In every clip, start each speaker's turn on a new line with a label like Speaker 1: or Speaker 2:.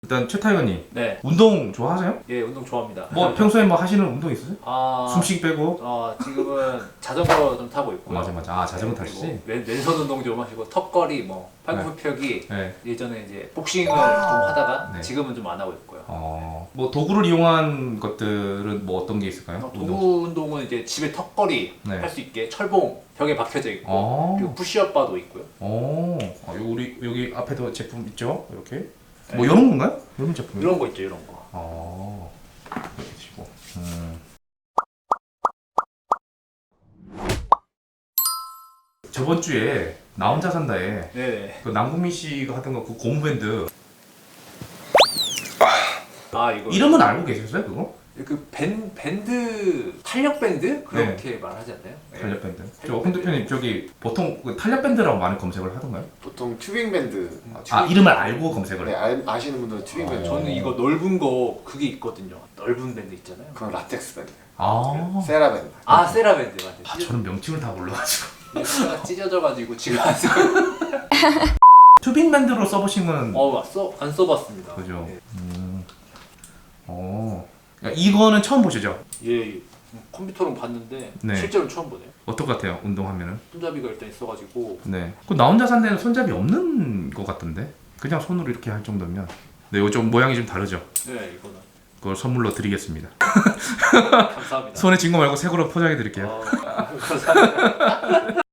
Speaker 1: 일단 최타이거님,
Speaker 2: 네.
Speaker 1: 운동 좋아하세요?
Speaker 2: 예, 운동 좋아합니다.
Speaker 1: 뭐 평소에 뭐 하시는 운동 있으세요?
Speaker 2: 아,
Speaker 1: 숨쉬기 빼고?
Speaker 2: 지금은 자전거 좀 타고 있고요.
Speaker 1: 맞아. 아, 자전거 타시지?
Speaker 2: 왼손 운동 좀 하시고 턱걸이, 뭐 팔굽혀 펴기.
Speaker 1: 네.
Speaker 2: 예전에 이제 복싱을 좀 하다가
Speaker 1: 네.
Speaker 2: 지금은 좀 안 하고 있고요.
Speaker 1: 뭐 도구를 이용한 것들은 뭐 어떤 게 있을까요?
Speaker 2: 도구 운동은 이제 집에 턱걸이
Speaker 1: 네.
Speaker 2: 할 수 있게 철봉 벽에 박혀져 있고 그리고 푸시업 바도 있고요.
Speaker 1: 우리 여기 앞에도 제품 있죠? 이렇게.
Speaker 2: 네.
Speaker 1: 뭐 이런 건가요? 이런 제품?
Speaker 2: 이런 거 있죠, 이런 거.
Speaker 1: 이렇게 치고. 저번 주에 나 혼자 산다에
Speaker 2: 네.
Speaker 1: 그 남궁민 씨가 하던 거 그 고무밴드
Speaker 2: 이거
Speaker 1: 이름은 알고 계셨어요 그거?
Speaker 2: 그 밴드 탄력 밴드 그렇게 말하지 않나요?
Speaker 1: 탄력 밴드. 저 핸드폰님 저기 보통 그 탄력 밴드라고 많이 검색을 하던가요?
Speaker 3: 보통 튜빙 밴드.
Speaker 1: 이름을 알고 검색을
Speaker 3: 네,
Speaker 1: 해요.
Speaker 3: 아시는 분들은 튜빙 밴드.
Speaker 2: 저는 이거 넓은 거 그게 있거든요. 넓은 밴드 있잖아요.
Speaker 3: 그건 라텍스 밴드.
Speaker 1: 아,
Speaker 3: 세라 밴드.
Speaker 2: 세라 밴드 맞아요.
Speaker 1: 저는 명칭을 다 몰라가지고.
Speaker 2: 가 찢어져가지고 지금 안 쓰고.
Speaker 1: 튜빙 밴드로 써보신 거는
Speaker 2: 안 써봤습니다.
Speaker 1: 그죠?
Speaker 2: 네.
Speaker 1: 이거는 처음 보시죠?
Speaker 2: 예, 컴퓨터로 봤는데
Speaker 1: 네.
Speaker 2: 실제로 처음 보네요.
Speaker 1: 어떨 것 같아요? 운동하면은?
Speaker 2: 손잡이가 일단 있어가지고.
Speaker 1: 네. 그 나 혼자 산 데는 손잡이 없는 것 같던데? 그냥 손으로 이렇게 할 정도면. 네, 이거 좀 모양이 좀 다르죠?
Speaker 2: 네, 이거는
Speaker 1: 그걸 선물로 드리겠습니다.
Speaker 2: 감사합니다.
Speaker 1: 손에 쥔 거 말고 새 거로 포장해 드릴게요.
Speaker 2: 감사합니다.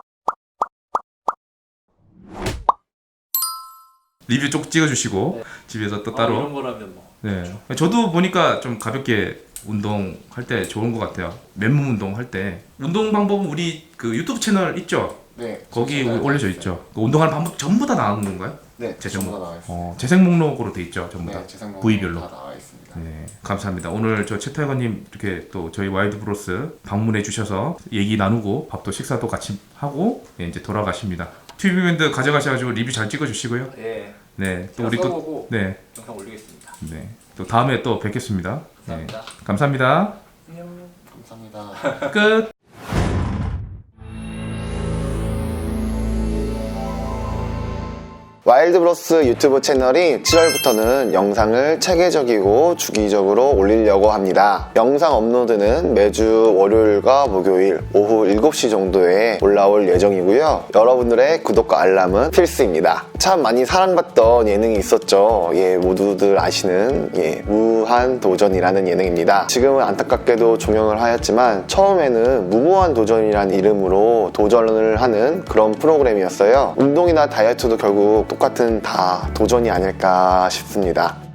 Speaker 1: 리뷰 쪽 찍어주시고
Speaker 2: 네.
Speaker 1: 집에서 또 따로.
Speaker 2: 이런 거라면 뭐.
Speaker 1: 네. 저도 보니까 좀 가볍게 운동할 때 좋은 것 같아요. 맨몸 운동할 때. 운동 방법은 우리 그 유튜브 채널 있죠?
Speaker 3: 네.
Speaker 1: 거기
Speaker 3: 제가
Speaker 1: 올려져
Speaker 3: 알고
Speaker 1: 있죠. 그 운동하는 방법 전부 다 나온 건가요?
Speaker 3: 네.
Speaker 1: 재생
Speaker 3: 전부 다 나와 있어요.
Speaker 1: 재생 목록으로 돼 있죠, 전부 다.
Speaker 3: 네, 재생
Speaker 1: 부위별로.
Speaker 3: 다 나와 있습니다.
Speaker 1: 네, 감사합니다. 오늘 저 최타이거님 이렇게 또 저희 와일드 브로스 방문해 주셔서 얘기 나누고 밥도 식사도 같이 하고 이제 돌아가십니다. 튜브밴드 가져가셔가지고 리뷰 잘 찍어주시고요.
Speaker 2: 예.
Speaker 1: 네, 또
Speaker 2: 제가
Speaker 1: 우리 또
Speaker 2: 써보고
Speaker 1: 네,
Speaker 2: 영상 올리겠습니다.
Speaker 1: 네, 또 다음에 또 뵙겠습니다.
Speaker 2: 감사합니다.
Speaker 1: 네, 감사합니다.
Speaker 2: 안녕.
Speaker 3: 감사합니다.
Speaker 1: 끝.
Speaker 3: 와일드브로스 유튜브 채널이 7월부터는 영상을 체계적이고 주기적으로 올리려고 합니다. 영상 업로드는 매주 월요일과 목요일 오후 7시 정도에 올라올 예정이고요. 여러분들의 구독과 알람은 필수입니다. 참 많이 사랑받던 예능이 있었죠. 모두들 아시는 무한도전이라는 예능입니다. 지금은 안타깝게도 종영을 하였지만 처음에는 무모한 도전이라는 이름으로 도전을 하는 그런 프로그램이었어요. 운동이나 다이어트도 결국 똑같은 다 도전이 아닐까 싶습니다.